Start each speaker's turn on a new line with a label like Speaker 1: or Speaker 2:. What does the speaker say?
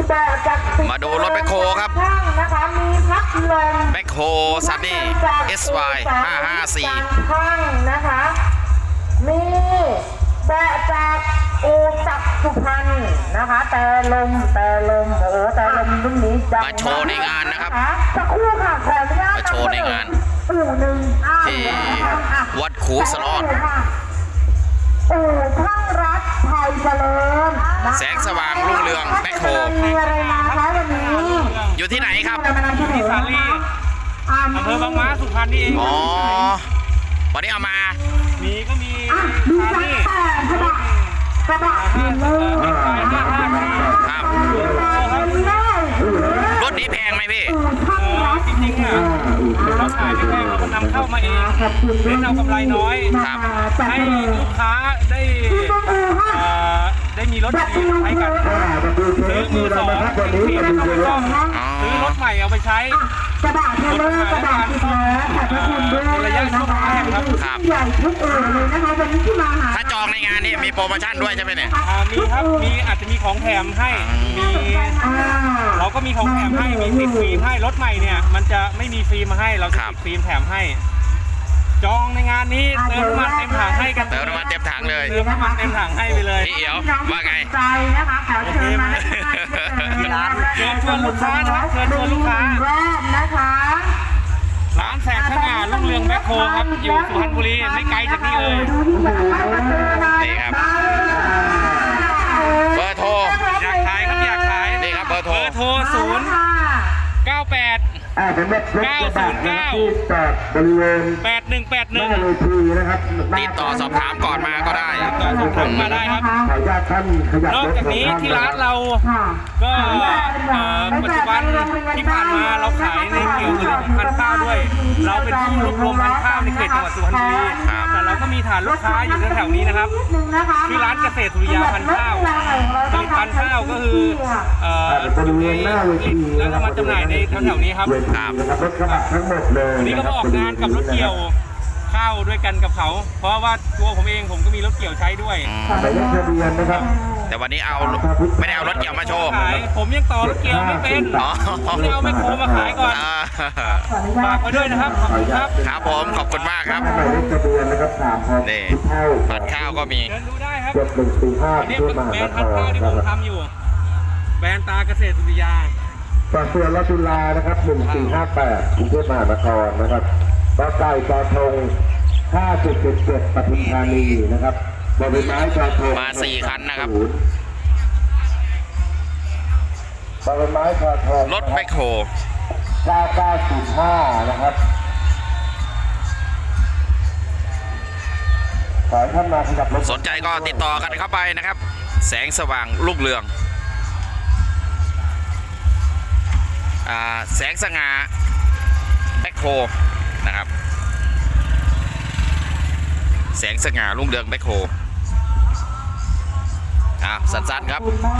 Speaker 1: แบบจาก
Speaker 2: มาดูรถแบคโฮครับ
Speaker 1: นะคะมีพัดลม
Speaker 2: แบคโฮซันนี่ SY 554
Speaker 1: ข้างนะคะมีแบบจากอูจักรสุพรรณนะคะแต่ลมโอ้แต่ลมรุ่นนี้ดัง
Speaker 2: มาโชว์ในงานนะครับ
Speaker 1: สักครู่ค่ะขออนุญาต
Speaker 2: มาโชว์ในงาน
Speaker 1: อู่หนึ่ง
Speaker 2: ที่วัดขูสลอด
Speaker 1: อู่ช่างรัฐไทยเจริญนะคะ
Speaker 2: แสงสว่างรุ่งเรืองแบคโฮ
Speaker 1: มีอะไรมาคะวันนี้
Speaker 2: อยู่ที่ไหนครับ
Speaker 3: ที่สาลีอำเภอบางม้าสุพรรณนี่เอง
Speaker 2: อ๋อ วันนี้เอามา
Speaker 3: มีก็มี
Speaker 1: ดู
Speaker 3: สา
Speaker 1: จัก
Speaker 3: ลี
Speaker 1: กระบะเห็นเลย
Speaker 2: ครับ
Speaker 1: ครับ
Speaker 2: รถนี้แพงไหมพี่
Speaker 3: จริงๆอ่ะเราขายไม่แพงเราก็นำเข้ามาเองเน้นเอากำไรน้อย
Speaker 2: ครับ
Speaker 3: ให้ลูกค้าได้มีรถดีๆใช้กันซื้อมือสองฟรีไม่ต้องไปซ่อมซื้อรถใหม่เอาไปใช้
Speaker 1: กระบะเทเลอร์กระบะสิบล้อขอบพระคุณด้วยนะคะใหญ่ทุกเลยนะคะวันนี้ที่มาหา
Speaker 2: ถ้าจองในงานนี่มีโปรโมชั่นด้วยใช่ไหมเนี่ย
Speaker 3: มีครับอาจจะมีของแถมให้เราก็มีของแถมให้มีติดฟิล์มให้รถใหม่เนี่ยมันจะไม่มีฟิล์มมาให้เราจะติดฟิล์มแถมให้จองในงานนี้เติมน้ำมันเต็มถังให้กัน
Speaker 2: เติมน้ำมันเต็มถังเลย
Speaker 3: เติมน้ำมันเต็มถังให้ไปเลย
Speaker 2: พี่เอ๋วว่าไง
Speaker 1: ใจนะคะขอเชิญมา
Speaker 3: เชิญชวนลูกค้านะครับเชิญชวนลูกค้า
Speaker 1: แรกนะคะ
Speaker 3: ร้านแสงสง่ารุ่งเรืองแบ็คโฮครับอยู่สุพรรณบุรีไม่ไกลจากนี่เลย
Speaker 2: นี่ครับ เบอร์โทร
Speaker 3: อยากขายครับอยากขาย
Speaker 2: นี่ครับเบอร์โทร
Speaker 3: โทร098
Speaker 4: สำหรับรถกระบะนะครับที่จอดบริเวณหน้า
Speaker 3: 8181
Speaker 4: เวทีนะครับ
Speaker 2: ติดต่อสอบถามก่อนมาก็ได้
Speaker 3: ต่อสอบถามมาได้ครับ
Speaker 4: ขออนุญาตท่านขยับ
Speaker 3: นอก
Speaker 4: รถ
Speaker 3: จากนี้ที่ร้านเราก็ปัจจุบันที่ผ่านมาเราขายในเกี่ยวกับเรื่องของพันธุ์ข้าวด้วย เราเป็นผู้รวบรวมพันธุ์ข้าวในเขตจังหวัดสุพรรณบุรี
Speaker 2: ครับ
Speaker 3: แต่เราก็มีฐานลูกค้าอยู่แถวๆนี้นะครับที่ร้านเกษตรสุริยาพันธุ์ข้าวผลิตพันธุ์ข้าวก็คือบ
Speaker 4: ริเวณหน้าเวที
Speaker 3: แล้วก็มาจำหน่ายในแถวๆนี้ครับ
Speaker 4: เวทีนะครับรถกระบะทั้งหมดเลย
Speaker 3: วันนี้ก็มาออกงานกับรถเกี่ยวข้าวด้วยกันกับเขา เพราะว่าตัวผมเองผมก็มีรถเกี่ยวใช้ด้วย
Speaker 4: หมายเลขทะเบียนนะครับ
Speaker 2: แต่วันนี้ไม่ได้เอารถเกี่ยวมาโชว์
Speaker 3: ขายผมยังต่อรถเกี่ยวไม่เป็น
Speaker 2: อ๋อ
Speaker 3: ผมเลยเอาแมคโครมาขายก่อน
Speaker 2: อ่า
Speaker 3: ฝากไว้ด้วยนะครับขอบคุณครับ
Speaker 2: ครับผมขอบคุณมากครับ
Speaker 4: หมายเลขทะเบียนนะครับ3 6
Speaker 2: นี่
Speaker 4: เท่า
Speaker 2: ผัดข้าวก็มี
Speaker 3: เชิญดูได้ครับ
Speaker 4: 7145
Speaker 3: อันนี้
Speaker 4: ที่
Speaker 3: เป็น
Speaker 4: มหา
Speaker 3: แบร
Speaker 4: น
Speaker 3: นด์
Speaker 4: ค
Speaker 3: พันธุ์
Speaker 4: ร
Speaker 3: ข้าวที่
Speaker 4: นะ
Speaker 3: ผม
Speaker 4: ครับ
Speaker 3: ทำอยู่ แบรนด์ตาเกษตรสุริยา
Speaker 4: ปากเสือรัตุลานะครับ1458กรุงเทพมหานครนะครับต่อไก่ต่อทง5777ปทุมธานีนะครับบริไม้ต่อทง
Speaker 2: มา4คันนะครับ
Speaker 4: บริไม้ต่อทง
Speaker 2: รถแบคโฮ
Speaker 4: 9905นะครับขอให้ท่านมาขยับรถ
Speaker 2: สนใจก็ติดต่อกันเข้าไปนะครับ แสงสว่างรุ่งเรืองแสงสง่าแบคโฮนะครับ แสงสง่ารุ่งเรืองแบคโฮสั้นๆครับ